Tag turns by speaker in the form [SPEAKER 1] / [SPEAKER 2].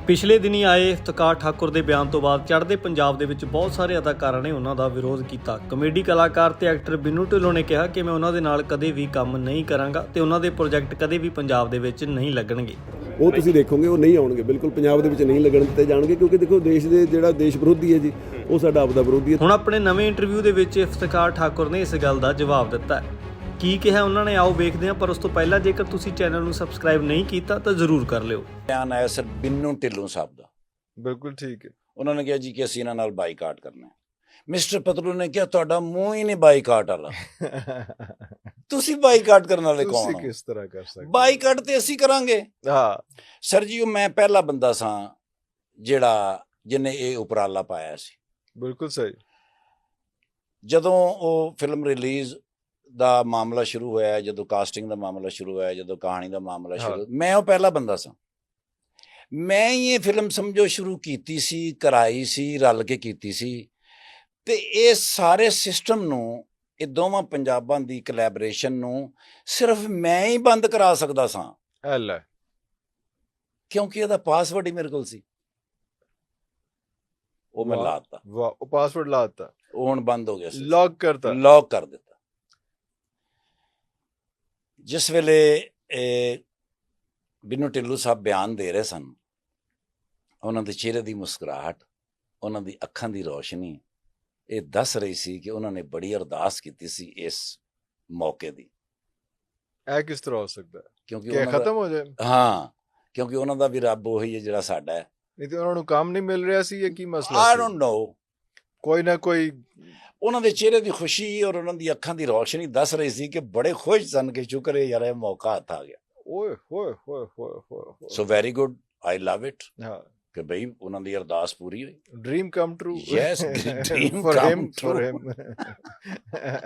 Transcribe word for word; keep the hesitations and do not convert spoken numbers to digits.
[SPEAKER 1] ਪਿਛਲੇ ਦਿਨੀ ਆਏ ਇਫਤਿਕਾਰ ਠਾਕੁਰ ਦੇ ਬਿਆਨ ਤੋਂ ਬਾਅਦ ਚੜ੍ਹਦੇ ਪੰਜਾਬ ਦੇ ਵਿੱਚ ਬਹੁਤ ਸਾਰੇ ਅਦਾਕਾਰਾਂ ਨੇ ਉਹਨਾਂ ਦਾ ਵਿਰੋਧ ਕੀਤਾ। ਕਮੇਡੀ ਕਲਾਕਾਰ ਤੇ ਐਕਟਰ ਬਿੰਨੂ ਢਿੱਲੋਂ ਨੇ ਕਿਹਾ ਕਿ ਮੈਂ ਉਹਨਾਂ ਦੇ ਨਾਲ ਕਦੇ ਵੀ ਕੰਮ ਨਹੀਂ ਕਰਾਂਗਾ ਤੇ ਉਹਨਾਂ ਦੇ ਪ੍ਰੋਜੈਕਟ ਕਦੇ ਵੀ ਪੰਜਾਬ ਦੇ ਵਿੱਚ ਨਹੀਂ ਲੱਗਣਗੇ।
[SPEAKER 2] ਉਹ ਤੁਸੀਂ ਦੇਖੋਗੇ ਉਹ ਨਹੀਂ ਆਉਣਗੇ, ਬਿਲਕੁਲ ਪੰਜਾਬ ਦੇ ਵਿੱਚ ਨਹੀਂ ਲੱਗਣ ਦਿੱਤੇ ਜਾਣਗੇ, ਕਿਉਂਕਿ ਦੇਖੋ ਦੇਸ਼ ਦੇ ਜਿਹੜਾ ਦੇਸ਼ ਵਿਰੋਧੀ ਹੈ ਜੀ ਉਹ ਸਾਡਾ ਆਪਦਾ ਵਿਰੋਧੀ ਹੈ।
[SPEAKER 1] ਹੁਣ ਆਪਣੇ ਨਵੇਂ ਇੰਟਰਵਿਊ ਦੇ ਵਿੱਚ ਇਫਤਿਕਾਰ ਠਾਕੁਰ ਨੇ ਇਸ ਗੱਲ ਦਾ ਜਵਾਬ ਦਿੱਤਾ ਹੈ। ਕੀ ਕਿਹਾ ਉਹਨਾਂ ਨੇ ਆਓ ਵੇਖਦੇ ਹਾਂ, ਪਰ ਉਸ ਤੋਂ ਪਹਿਲਾਂ ਜੇਕਰ ਤੁਸੀਂ ਚੈਨਲ ਨੂੰ ਸਬਸਕ੍ਰਾਈਬ ਨਹੀਂ ਕੀਤਾ ਤਾਂ ਜ਼ਰੂਰ ਕਰ ਲਿਓ।
[SPEAKER 3] ਬਿਆਨ ਆਇਆ ਸਰ ਬਿੰਨੂ ਢਿੱਲੋਂ ਸਾਹਿਬ ਦਾ,
[SPEAKER 4] ਬਿਲਕੁਲ ਠੀਕ ਹੈ।
[SPEAKER 3] ਉਹਨਾਂ ਨੇ ਕਿਹਾ ਜੀ ਕਿ ਅਸੀਂ ਇਹਨਾਂ ਨਾਲ ਬਾਈਕਾਟ ਕਰਨਾ ਹੈ। ਮਿਸਟਰ ਪਤਲੂ ਨੇ ਕਿਹਾ ਤੁਹਾਡਾ ਮੂੰਹ ਹੀ ਨਹੀਂ ਬਾਈਕਾਟ ਵਾਲਾ, ਤੁਸੀਂ ਬਾਈਕਾਟ ਕਰਨ ਵਾਲੇ ਕੌਣ ਹੋ?
[SPEAKER 4] ਕਿਸ ਤਰ੍ਹਾਂ ਕਰ ਸਕਦੇ?
[SPEAKER 3] ਬਾਈਕਾਟ ਤੇ ਅਸੀਂ ਕਰਾਂਗੇ।
[SPEAKER 4] ਹਾਂ
[SPEAKER 3] ਸਰ ਜੀ, ਉਹ ਮੈਂ ਪਹਿਲਾ ਬੰਦਾ ਸਾਂ ਜਿਹੜਾ ਜਿਹਨੇ ਇਹ ਉਪਰਾਲਾ ਪਾਇਆ ਸੀ।
[SPEAKER 4] ਬਿਲਕੁਲ ਸਹੀ।
[SPEAKER 3] ਜਦੋਂ ਉਹ ਫਿਲਮ ਰਿਲੀਜ਼ ਦਾ ਮਾਮਲਾ ਸ਼ੁਰੂ ਹੋਇਆ, ਜਦੋਂ ਕਾਸਟਿੰਗ ਦਾ ਮਾਮਲਾ ਸ਼ੁਰੂ ਹੋਇਆ, ਜਦੋਂ ਕਹਾਣੀ ਦਾ ਮਾਮਲਾ ਸ਼ੁਰੂ, ਮੈਂ ਉਹ ਪਹਿਲਾ ਬੰਦਾ ਸਾਂ। ਮੈਂ ਹੀ ਇਹ ਫਿਲਮ ਸਮਝੋ ਸ਼ੁਰੂ ਕੀਤੀ ਸੀ, ਕਰਾਈ ਸੀ, ਰਲ ਕੇ ਕੀਤੀ ਸੀ। ਤੇ ਇਹ ਸਾਰੇ ਸਿਸਟਮ ਨੂੰ, ਇਹ ਦੋਵਾਂ ਪੰਜਾਬਾਂ ਦੀ ਕੋਲੈਬੋਰੇਸ਼ਨ ਨੂੰ ਸਿਰਫ ਮੈਂ ਹੀ ਬੰਦ ਕਰਾ ਸਕਦਾ ਸਾਂ,
[SPEAKER 4] ਐਲਾ
[SPEAKER 3] ਕਿਉਂਕਿ ਇਹਦਾ ਪਾਸਵਰਡ ਹੀ ਮੇਰੇ ਕੋਲ ਸੀ। ਉਹ ਮੈਂ ਲਾਤਾ,
[SPEAKER 4] ਵਾਹ, ਉਹ ਪਾਸਵਰਡ ਲਾਤਾ,
[SPEAKER 3] ਉਹ ਹੁਣ ਬੰਦ ਹੋ ਗਿਆ ਸੀ,
[SPEAKER 4] ਲੌਕ ਕਰਤਾ,
[SPEAKER 3] ਲੌਕ ਕਰ ਦਿੱਤਾ। ਜਿਸ ਵੇਲੇ ਇਹ ਬਿੰਨੂ ਢਿੱਲੋਂ ਸਾਹਿਬ ਬਿਆਨ ਦੇ ਰਹੇ ਸਨ, ਉਹਨਾਂ ਦੇ ਚਿਹਰੇ ਦੀ ਮੁਸਕਰਾਹਟ, ਉਹਨਾਂ ਦੀ ਅੱਖਾਂ ਦੀ ਰੋਸ਼ਨੀ ਇਹ ਦੱਸ ਰਹੀ ਸੀ ਕਿ ਉਹਨਾਂ ਨੇ ਬੜੀ ਅਰਦਾਸ ਕੀਤੀ ਸੀ ਇਸ ਮੌਕੇ ਦੀ।
[SPEAKER 4] ਇਹ ਕਿਸ ਤਰ੍ਹਾਂ ਹੋ ਸਕਦਾ
[SPEAKER 3] ਕਿਉਂਕਿ
[SPEAKER 4] ਕਿ ਖਤਮ ਹੋ ਜਾਏ?
[SPEAKER 3] ਹਾਂ, ਕਿਉਂਕਿ ਉਹਨਾਂ ਦਾ ਵੀ ਰੱਬ ਉਹੀ ਹੈ ਜਿਹੜਾ ਸਾਡਾ ਹੈ।
[SPEAKER 4] ਨਹੀਂ ਤੇ ਉਹਨਾਂ ਨੂੰ ਕੰਮ ਨਹੀਂ ਮਿਲ ਰਿਹਾ ਸੀ, ਇਹ ਕੀ ਮਸਲਾ
[SPEAKER 3] ਆਈ
[SPEAKER 4] ਸੀ?
[SPEAKER 3] ਡੋਂਟ ਨੋ,
[SPEAKER 4] ਕੋਈ ਨਾ ਕੋਈ
[SPEAKER 3] ਉਹਨਾਂ ਦੇ ਚਿਹਰੇ ਦੀ ਖੁਸ਼ੀ ਔਰ ਉਹਨਾਂ ਦੀ ਅੱਖਾਂ ਦੀ ਰੋਸ਼ਨੀ ਦੱਸ ਰਹੀ ਸੀ ਕਿ ਬੜੇ ਖੁਸ਼ ਸਨ ਕਿ ਸ਼ੁਕਰ ਹੈ ਯਾਰ ਇਹ ਮੌਕਾ ਹੱਥ ਆ ਗਿਆ।
[SPEAKER 4] ਓਏ ਹੋਏ ਹੋਏ ਹੋਏ ਹੋਏ।
[SPEAKER 3] So very good, I love it
[SPEAKER 4] ਹਾਂ,
[SPEAKER 3] ਕਿ ਬਈ ਉਹਨਾਂ ਦੀ ਅਰਦਾਸ ਪੂਰੀ ਹੋਈ।
[SPEAKER 4] Dream come true.
[SPEAKER 3] Yes, dream
[SPEAKER 4] for
[SPEAKER 3] come
[SPEAKER 4] him, for
[SPEAKER 3] true.
[SPEAKER 4] him.